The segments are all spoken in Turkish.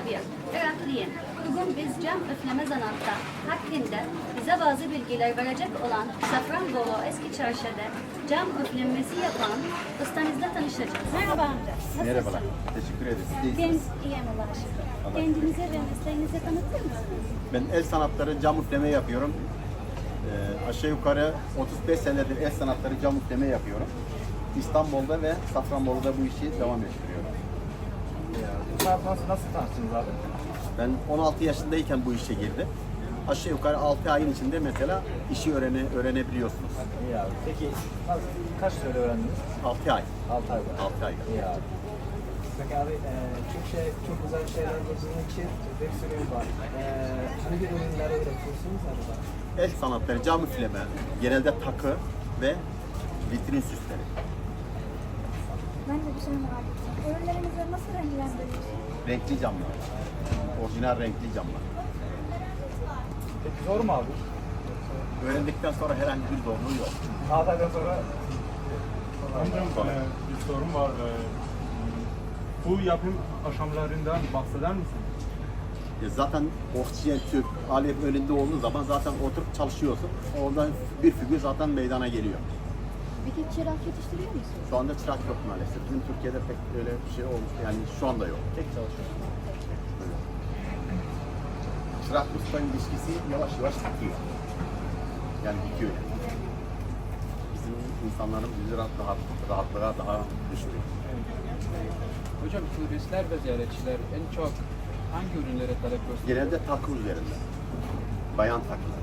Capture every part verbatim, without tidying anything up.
tabii. Öğretmenim, bugün biz cam üfleme zanaatı hakkında bize bazı bilgiler verecek olan Safranbolu Eski Çarşı'da cam üflemesi yapan ustamızla tanışacağız. Merhaba amca. Nasılsın? Merhabalar. Teşekkür ederiz. Siz de Ben iyisiniz. iyiyim Allah'a şükür. Allah Kendinize ve mesleğinize tanıtır mısınız? Ben el sanatları cam üfleme yapıyorum. Ee, aşağı yukarı otuz beş senedir el sanatları cam üfleme yapıyorum. İstanbul'da ve Safranbolu'da bu işi devam ettiriyorum. Bu sanat nasıl, nasıl tanıştınız abi? Ben on altı yaşındayken bu işe girdim. Aşağı yukarı altı ayın içinde mesela işi öğrene, öğrenebiliyorsunuz. İyi abi. Peki nasıl, kaç süre öğrendiniz? altı ay. altı ayda. altı ayda. İyi abi. Peki abi e, çok şey, çok güzel şeyler bulduğun için bir sürü var. E, hangi ürünleri üretiyorsunuz acaba? El sanatları cam üfleme, genelde takı ve vitrin süsleri. Ben de bir şey merak ettim. Ürünlerinizi nasıl renklendiriyorsunuz? Renkli camlar. Orijinal renkli camlar. Peki zor mu abi? Öğrendikten sonra herhangi bir zorluğu yok. altı aydan sonra Amcam e, bir sorun var. E, bu yapım aşamalarından bahseder misin? Ya zaten oksijen tüp, alet önünde olduğu zaman zaten oturup çalışıyorsun. Oradan bir figür zaten meydana geliyor. Peki çırak yetiştiriyor musunuz? Şu anda çırak yok maalesef. Bizim Türkiye'de pek öyle bir şey olmuş. Yani şu anda yok. Tek çalışıyorsun. Öyle. Çırak usta ilişkisi yavaş yavaş bitiyor. Yani bitiyor yani. Bizim insanların yüzü rahat, rahat, rahatlığa daha düşüyor. Hocam turistler ve ziyaretçiler en çok hangi ürünlere talep gösteriyor? Genelde takı üzerinde. Bayan takıları.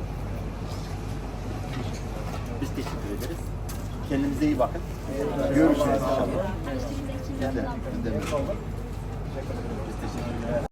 Biz teşekkür ederiz. Kendinize iyi bakın. Görüşürüz inşallah. Tanıştığınız için Biz de, memnun oldum. biz de. Biz teşekkür ederiz.